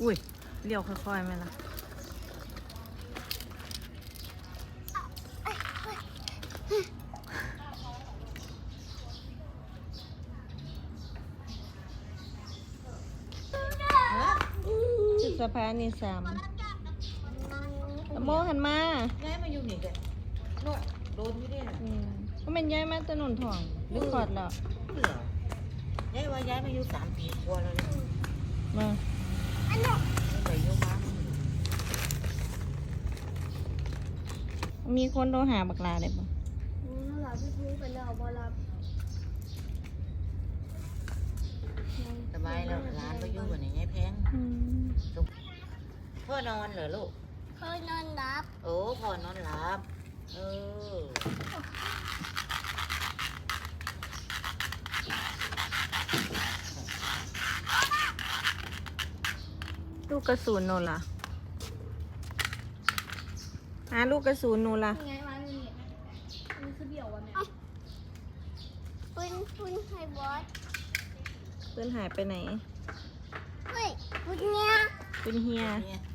อุ้ยเลี้ยวค่อยๆไหมล่ะจุดสะพานนี่3ตะโมหันมาย้ายมาอยู่นี่กันโน่โดนที่นี่น่ะก็เป็นย้ายมาถนนทองหรือขอดแล้วเหรอย้ายว่าย้ายมาอยู่3 ปีกว่าแล้วเนี่ยมาไม่ไปอยู่บ้านมีคนโทรหาบักลาได้ปะหลับพี่พูดไปแล้วบอรับสบายแล้วร้านไปอยู่กันอย่างไงแพงพ่อนอนเหรอลูกเคยนอนรับโอ้พ่อนอนหลับลูกกระสุนโนล่ะหาลูกกระสุนโนล่ะยังไงวะนี่มันคือเบี่ยววะแม่ปุ้นไฮบอสปืนหายไปไหนเฮ้ยปุ้นเนี้ยปืนเฮียเนี่ย